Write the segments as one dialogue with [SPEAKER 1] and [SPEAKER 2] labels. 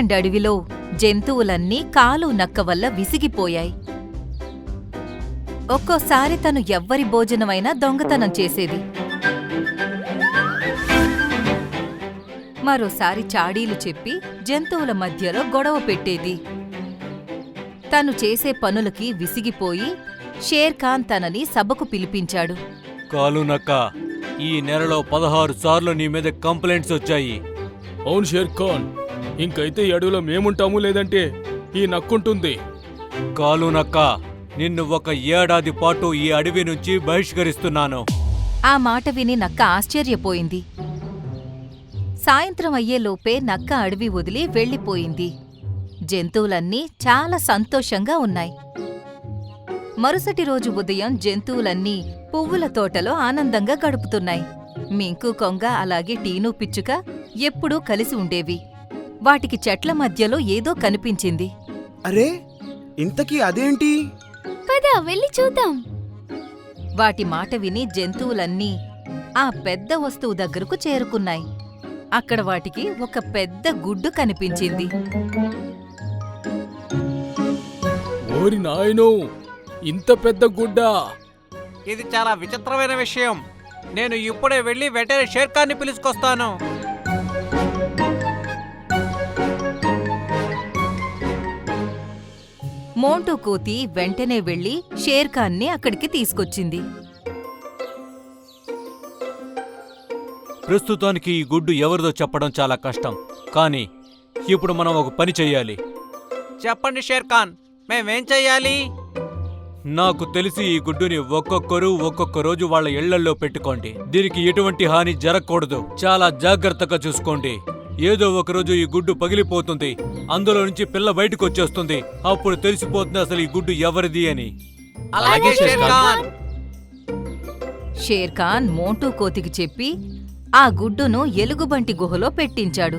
[SPEAKER 1] New Zealand అడవిలో జంతువులన్నీ కాలు నక్క వల్ల విసిగిపోయాయి. ఒక్కోసారి తను ఎవ్వరి భోజనమైనా దొంగతనం చేసేది. మరోసారి చాడీలు చెప్పి జంతువుల మధ్యలో గొడవ పెట్టేది. తను చేసే పనులకి విసిగిపోయి షేర్ఖాన్ తనని సభకు పిలిపించాడు.
[SPEAKER 2] కాలు నక్క, ఈ నెలలో 16 సార్లు నీ మీద కంప్లైంట్స్ వచ్చాయి.
[SPEAKER 3] అవును షేర్ఖాన్, ఇంకైతే ఈ అడవిలో మేముంటాము, లేదంటే ఈ నక్కుంటుంది.
[SPEAKER 2] కాలు నక్క, నిన్ను 1 ఏడాది పాటు ఈ అడవి నుంచి బహిష్కరిస్తున్నాను.
[SPEAKER 1] ఆ మాట విని నక్క ఆశ్చర్యపోయింది. సాయంత్రం అయ్యేలోపే నక్క అడవి వదిలి వెళ్ళిపోయింది. జంతువులన్నీ చాలా సంతోషంగా ఉన్నాయి. మరుసటి రోజు ఉదయం జంతువులన్నీ పువ్వుల తోటలో ఆనందంగా గడుపుతున్నాయి. మింకు కొంగ అలాగే టీను పిచ్చుక ఎప్పుడూ కలిసి ఉండేవి. వాటికి చెట్ల మధ్యలో ఏదో కనిపించింది.
[SPEAKER 4] అరే, ఇంతకీ అదేంటి?
[SPEAKER 5] పద వెళ్ళి చూద్దాం.
[SPEAKER 1] వాటి మాట విని జంతువులన్నీ ఆ పెద్ద వస్తువు దగ్గరకు చేరుకున్నాయి. అక్కడ వాటికి ఒక పెద్ద గుడ్డు కనిపించింది.
[SPEAKER 3] ఓరి నాయనో, ఇంత పెద్ద గుడ్డా!
[SPEAKER 2] ఇది చాలా విచిత్రమైన విషయం. నేను ఇప్పుడే వెళ్ళి వెంటనే షేర్ఖాన్ని పిలుచుకొస్తాను.
[SPEAKER 1] మోంటూ కోతి వెంటనే వెళ్లి షేర్ఖాన్ని అక్కడికి తీసుకొచ్చింది.
[SPEAKER 2] ప్రస్తుతానికి ఈ గుడ్డు ఎవరిదో చెప్పడం చాలా కష్టం, కానీ ఇప్పుడు మనం ఒక పని చెయ్యాలి. చెప్పండి షేర్ఖాన్, మేమేం చెయ్యాలి? నాకు తెలిసి ఈ గుడ్డుని ఒక్కొక్కరు ఒక్కొక్క రోజు వాళ్ళ ఇళ్లల్లో పెట్టుకోండి. దీనికి ఎటువంటి హాని జరగకూడదు. చాలా జాగ్రత్తగా చూసుకోండి. ఏదో ఒకరోజు ఈ గుడ్డు పగిలిపోతుంది, అందులో నుంచి పిల్ల బయటకు వచ్చేస్తుంది. అప్పుడు తెలిసిపోతుంది అసలు ఈ గుడ్డు ఎవరిది అని.
[SPEAKER 3] అలాగే షేర్ఖాన్.
[SPEAKER 1] షేర్ఖాన్ మోంటూ కోతికి చెప్పి ఆ గుడ్డును ఎలుగుబంటి గుహలో పెట్టించాడు.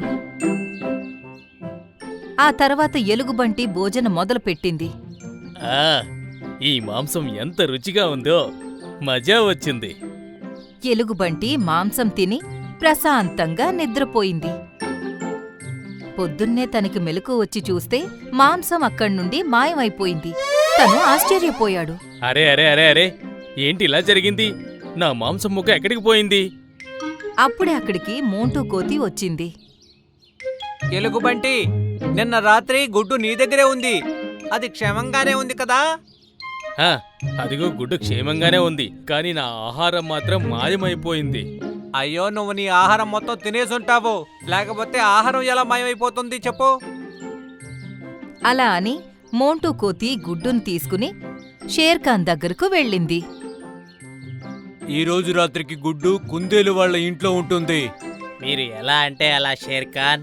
[SPEAKER 1] ఆ తర్వాత ఎలుగుబంటి భోజనం మొదలుపెట్టింది.
[SPEAKER 3] ఈ మాంసం ఎంత రుచిగా ఉందో, మజా వచ్చింది.
[SPEAKER 1] ఎలుగుబంటి మాంసం తిని ప్రశాంతంగా నిద్రపోయింది. పొద్దున్నే తనకి మెలకువ వచ్చి చూస్తే మాంసం అక్కడ్నుండి మాయమైపోయింది. తను ఆశ్చర్యపోయాడు.
[SPEAKER 3] అరే అరే అరే అరే, ఏంటి ఇలా జరిగింది? నా మాంసం ముక్క ఎక్కడికి పోయింది?
[SPEAKER 1] అప్పుడే అక్కడికి మోంటూ కోతి వచ్చింది.
[SPEAKER 2] ఎలుగుబంటి, నిన్న రాత్రి గుడ్డు నీ దగ్గరే ఉంది. అది క్షేమంగానే ఉంది కదా?
[SPEAKER 3] అదిగో గుడ్డు క్షేమంగానే ఉంది, కానీ నా ఆహారం మాత్రం మాయమైపోయింది.
[SPEAKER 2] అయ్యో, నువ్వు నీ ఆహారం మొత్తం తినేసుంటావు. లేకపోతే ఆహారం ఎలా మాయమైపోతుంది చెప్పు?
[SPEAKER 1] అలా అని మోంటూ కోతి గుడ్డును తీసుకుని షేర్ఖాన్ దగ్గరకు వెళ్ళింది.
[SPEAKER 2] ఈ రోజు రాత్రికి గుడ్డు కుందేలు వాళ్ళ ఇంట్లో ఉంటుంది.
[SPEAKER 6] మీరు ఎలా అంటే అలా షేర్ఖాన్.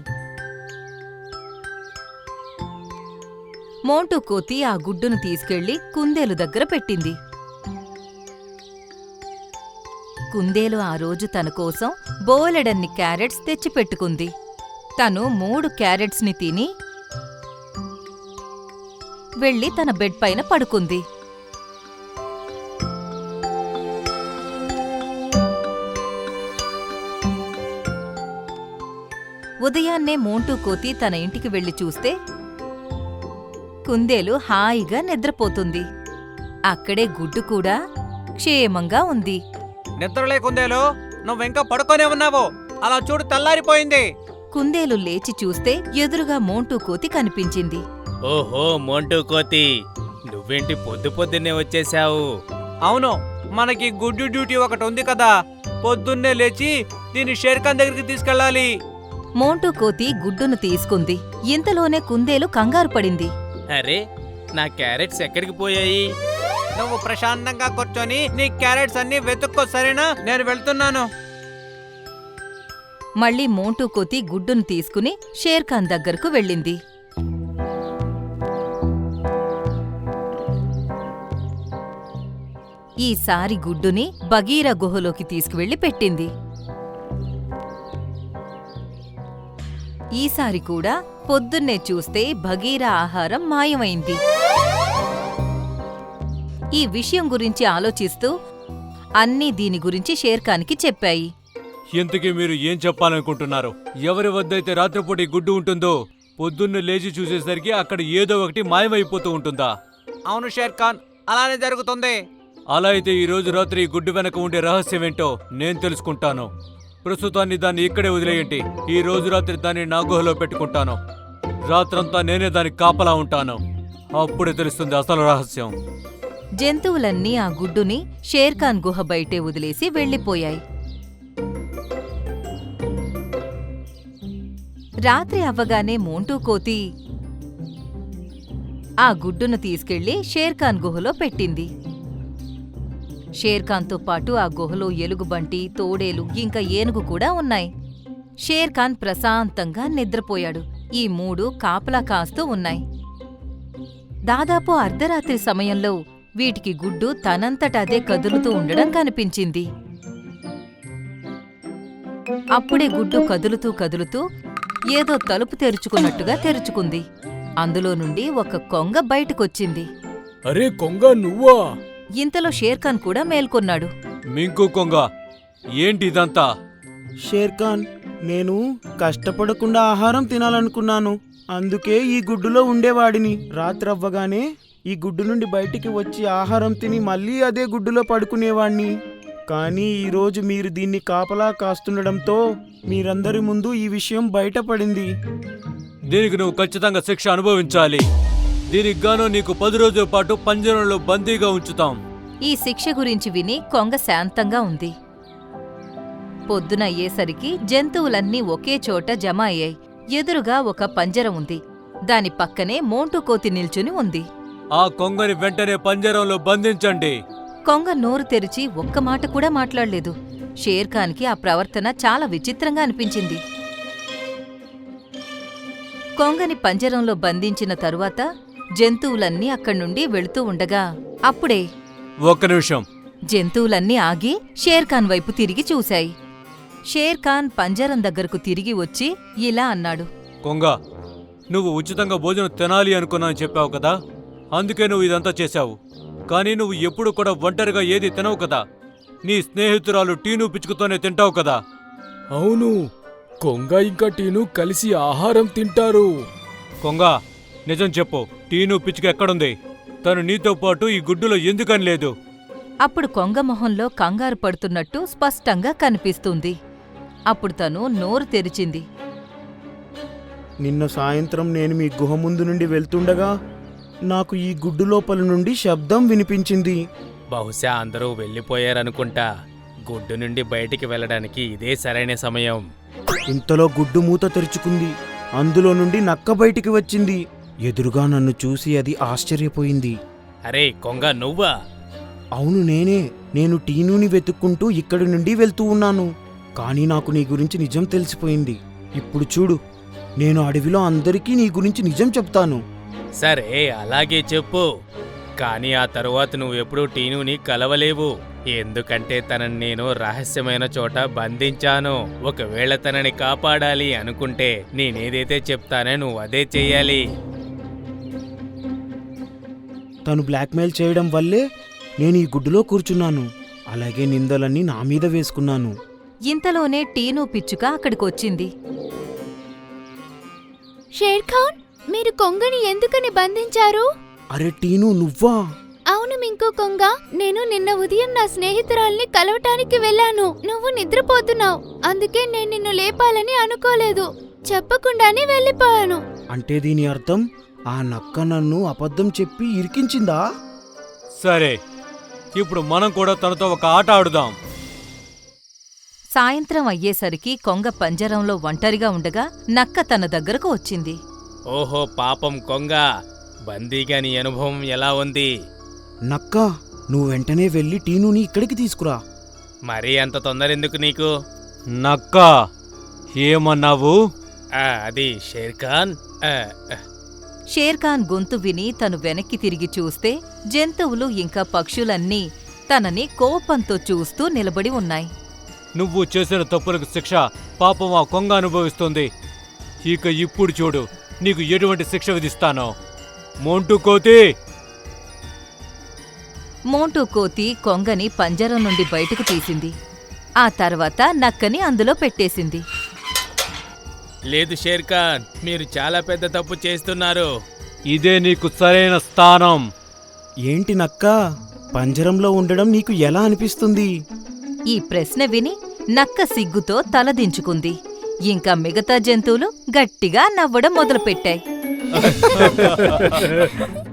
[SPEAKER 1] మోంటూ కోతి ఆ గుడ్డును తీసుకెళ్లి కుందేలు దగ్గర పెట్టింది. కుందేలు ఆ రోజు తన కోసం బోలెడన్ని క్యారెట్స్ తెచ్చిపెట్టుకుంది. తను 3 క్యారెట్స్ని తిని వెళ్ళి తన బెడ్ పైన పడుకుంది. ఉదయాన్నే మోంటూ కోతి తన ఇంటికి వెళ్లి చూస్తే కుందేలు హాయిగా నిద్రపోతుంది. అక్కడే గుడ్డు కూడా క్షేమంగా ఉంది.
[SPEAKER 2] నిద్రలే కుందేలు, నువ్వింకా పడుకోనే ఉన్నావు. అలా చూడు, తెల్లారిపోయింది.
[SPEAKER 1] కుందేలు లేచి చూస్తే ఎదురుగా మోంటూ కోతి కనిపించింది.
[SPEAKER 6] ఓహో మోంటూ కోతి, నువ్వేంటి పొద్దున్నే వచ్చేశావు?
[SPEAKER 2] అవును, మనకి గుడ్డు డ్యూటీ ఒకటి ఉంది కదా. పొద్దున్నే లేచి దీన్ని షేర్ఖాన్ దగ్గరికి తీసుకెళ్ళాలి.
[SPEAKER 1] మోంటూ కోతి గుడ్డును తీసుకుంది. ఇంతలోనే కుందేలు కంగారు పడింది.
[SPEAKER 6] అరే, నా క్యారెట్స్ ఎక్కడికి పోయాయి?
[SPEAKER 2] నువ్వు ప్రశాంతంగా కూర్చొని నీ క్యారెట్స్ అన్ని వెతుక్కో, సరేనా? నేను వెళ్తున్నాను.
[SPEAKER 1] మళ్ళీ మోంటూ కోతి గుడ్డును తీసుకుని షేర్ఖాన్ దగ్గరకు వెళ్ళింది. ఈసారి గుడ్డుని బగీరా గుహలోకి తీసుకువెళ్లి పెట్టింది. ఈసారి కూడా పొద్దున్నే చూస్తే బగీరా ఆహారం మాయమైంది. ఈ విషయం గురించి ఆలోచిస్తూ అన్నీ దీని గురించి షేర్ఖాన్కి చెప్పాయి.
[SPEAKER 2] ఇంతకీ మీరు ఏం చెప్పాలనుకుంటున్నారు? ఎవరి వద్దైతే రాత్రిపూట ఈ గుడ్డు ఉంటుందో పొద్దున్న లేచి చూసేసరికి అక్కడ ఏదో ఒకటి మాయమైపోతూ ఉంటుందా? అవును షేర్ ఖాన్, అలానే జరుగుతుంది. అలా అయితే ఈ రోజు రాత్రి ఈ గుడ్డు వెనక ఉండే రహస్యం ఏంటో నేను తెలుసుకుంటాను. ప్రస్తుతాన్ని దాన్ని ఇక్కడే వదిలేయండి. ఈ రోజు రాత్రి దాన్ని నా గుహలో పెట్టుకుంటాను. రాత్రంతా నేనే దానికి కాపలా ఉంటాను. అప్పుడే తెలుస్తుంది అసలు రహస్యం.
[SPEAKER 1] జంతువులన్నీ ఆ గుడ్డుని షేర్ఖాన్ గుహ బయటే వదిలేసి వెళ్ళిపోయాయి. రాత్రి అవ్వగానే మోంటూ కోతి ఆ గుడ్డును తీసుకెళ్లి షేర్ఖాన్ గుహలో పెట్టింది. షేర్ఖాన్తో పాటు ఆ గుహలో ఎలుగుబంటి, తోడేలు, ఇంకా ఏనుగు కూడా ఉన్నాయి. షేర్ఖాన్ ప్రశాంతంగా నిద్రపోయాడు. ఈ మూడు కాపలా కాస్తూ ఉన్నాయి. దాదాపు అర్ధరాత్రి సమయంలో వీటికి గుడ్డు తనంతటదే కదులుతూ ఉండడం కనిపించింది. అప్పుడే గుడ్డు కదులుతూ కదులుతూ ఏదో తలుపు తెరుచుకున్నట్టుగా తెరుచుకుంది. అందులో నుండి ఒక కొంగ బయటకొచ్చింది.
[SPEAKER 3] అరే కొంగ నువ్వా?
[SPEAKER 1] ఇంతలో షేర్ఖాన్ కూడా మేల్కొన్నాడు.
[SPEAKER 2] మింకు కొంగ, ఏంటి ఇదంతా?
[SPEAKER 4] షేర్ఖాన్, నేను కష్టపడకుండా ఆహారం తినాలనుకున్నాను. అందుకే ఈ గుడ్డులో ఉండేవాడిని. రాత్రి అవ్వగానే ఈ గుడ్డు నుండి బయటికి వచ్చి ఆహారం తిని మళ్ళీ అదే గుడ్డులో పడుకునేవాణ్ణి. కానీ ఈరోజు మీరు దీన్ని కాపలా కాస్తుండడంతో మీరందరి ముందు ఈ విషయం బయటపడింది.
[SPEAKER 2] దీనికి నువ్వు ఖచ్చితంగా శిక్ష అనుభవించాలి. దీనికి గాను నీకు 10 రోజుల పాటు పంజరంలో బందీగా ఉంచుతాం.
[SPEAKER 1] ఈ శిక్ష గురించి విని కొంగ శాంతంగా ఉంది. పొద్దున అయ్యేసరికి జంతువులన్నీ ఒకే చోట జమ అయ్యాయి. ఎదురుగా ఒక పంజరం ఉంది. దాని పక్కనే మోంటూ కోతి నిల్చుని ఉంది.
[SPEAKER 2] ఆ కొంగని వెంటనే పంజరంలో బంధించండి.
[SPEAKER 1] కొంగ నోరు తెరిచి ఒక్క మాట కూడా మాట్లాడలేదు. షేర్ఖాన్కి ఆ ప్రవర్తన చాలా విచిత్రంగా అనిపించింది. కొంగని పంజరంలో బంధించిన తరువాత జంతువులన్నీ అక్కడ్నుండి వెళుతూ ఉండగా అప్పుడే
[SPEAKER 2] ఒక్క నిమిషం.
[SPEAKER 1] జంతువులన్నీ ఆగి షేర్ఖాన్ వైపు తిరిగి చూశాయి. షేర్ఖాన్ పంజరం దగ్గరకు తిరిగి వచ్చి ఇలా అన్నాడు.
[SPEAKER 2] కొంగ, నువ్వు ఉచితంగా భోజనం తినాలి అనుకున్నాను చెప్పావు కదా, అందుకే నువ్వు ఇదంతా చేశావు. కానీ నువ్వు ఎప్పుడు కూడా ఒంటరిగా ఏది తినవు కదా. నీ స్నేహితురాలు టీను పిచ్చుకుతోనే తింటావు కదా.
[SPEAKER 3] అవును, కొంగ ఇంకా టీను కలిసి ఆహారం తింటారు.
[SPEAKER 2] కొంగ, నిజం చెప్పు, టీను పిచ్చుక ఎక్కడుంది? తను నీతో పాటు ఈ గుడ్డులో ఎందుకని లేదు?
[SPEAKER 1] అప్పుడు కొంగ మొహంలో కంగారు పడుతున్నట్టు స్పష్టంగా కనిపిస్తుంది. అప్పుడు తను నోరు తెరిచింది.
[SPEAKER 4] నిన్న సాయంత్రం నేను మీ గుహ ముందు నుండి వెళ్తుండగా నాకు ఈ గుడ్డు లోపల నుండి శబ్దం వినిపించింది.
[SPEAKER 6] బహుశా అందరూ వెళ్ళిపోయారనుకుంటా. గుడ్డు నుండి బయటికి వెళ్ళడానికి ఇదే సరైన సమయం.
[SPEAKER 4] ఇంతలో గుడ్డు మూత తెరుచుకుంది. అందులో నుండి నక్క బయటికి వచ్చింది. ఎదురుగా నన్ను చూసి అది ఆశ్చర్యపోయింది.
[SPEAKER 6] అరే కొంగ నువ్వా?
[SPEAKER 4] అవును నేనే. నేను టీనుని వెతుక్కుంటూ ఇక్కడి నుండి వెళ్తూ ఉన్నాను. కానీ నాకు నీ గురించి నిజం తెలిసిపోయింది. ఇప్పుడు చూడు, నేను అడవిలో అందరికీ నీ గురించి నిజం చెప్తాను.
[SPEAKER 6] సరే అలాగే చెప్పు. కానీ ఆ తరువాత నువ్వెప్పుడూ టీనుని కలవలేవు. ఎందుకంటే తనని నేను రహస్యమైన చోట బంధించాను. ఒకవేళ తనని కాపాడాలి అనుకుంటే నేనేదైతే చెప్తానో నువ్వు అదే చెయ్యాలి.
[SPEAKER 4] తను బ్లాక్మెయిల్ చేయడం వల్లే నేను ఈ గుడ్డులో కూర్చున్నాను. అలాగే నిందలన్నీ నా మీద వేసుకున్నాను.
[SPEAKER 1] ఇంతలోనే టీను పిచ్చుక అక్కడికొచ్చింది.
[SPEAKER 5] షేర్ఖాన్, మీరు కొంగని ఎందుకని బంధించారు?
[SPEAKER 4] అరే టీను, నువ్వా?
[SPEAKER 5] అవును మింకు కొంగ, నేను నిన్న ఉదయం నా స్నేహితురాల్ని కలవటానికి వెళ్ళాను. నువ్వు నిద్రపోతున్నావు. అందుకే నేను నిన్ను లేపాలని అనుకోలేదు. చెప్పకుండానే వెళ్ళిపోయాను.
[SPEAKER 4] అంటే దీని అర్థం ఆ నక్క నన్ను అబద్ధం చెప్పి ఇరికించిందా?
[SPEAKER 2] సరే, ఇప్పుడు మనం కూడా తనతో ఒక ఆట ఆడుదాం.
[SPEAKER 1] సాయంత్రం అయ్యేసరికి కొంగ పంజరంలో ఒంటరిగా ఉండగా నక్క తన దగ్గరకు వచ్చింది.
[SPEAKER 6] ఓహో పాపం కొంగ, బందీగా నీ అనుభవం ఎలా ఉంది?
[SPEAKER 4] నక్క, నువ్వు వెంటనే వెళ్ళి టీనుని ఇక్కడికి తీసుకురా.
[SPEAKER 6] మరీ అంత తొందరెందుకు నీకు?
[SPEAKER 2] నక్క, ఏమన్నావు?
[SPEAKER 6] అది షేర్ఖాన్.
[SPEAKER 1] షేర్ఖాన్ గొంతు విని తను వెనక్కి తిరిగి చూస్తే జంతువులు ఇంకా పక్షులన్నీ తనని కోపంతో చూస్తూ నిలబడి ఉన్నాయి.
[SPEAKER 2] నువ్వు చేసిన తప్పులకు శిక్ష పాపం ఆ కొంగ అనుభవిస్తుంది. ఇక ఇప్పుడు చూడు, నీకు ఎటువంటి శిక్ష విధిస్తానో. మోంటూ కోతి!
[SPEAKER 1] మోంటూ కోతి కొంగని పంజరం నుండి బయటకు తీసింది. ఆ తర్వాత నక్కని అందులో పెట్టేసింది.
[SPEAKER 6] లేదు షేర్ఖాన్, మీరు చాలా పెద్ద తప్పు చేస్తున్నారు.
[SPEAKER 2] ఇదే నీకు సరైన స్థానం.
[SPEAKER 4] ఏంటి నక్క, పంజరంలో ఉండడం నీకు ఎలా అనిపిస్తుంది?
[SPEAKER 1] ఈ ప్రశ్న విని నక్క సిగ్గుతో తలదించుకుంది. ఇంకా మిగతా జంతువులు గట్టిగా నవ్వడం మొదలుపెట్టాయి.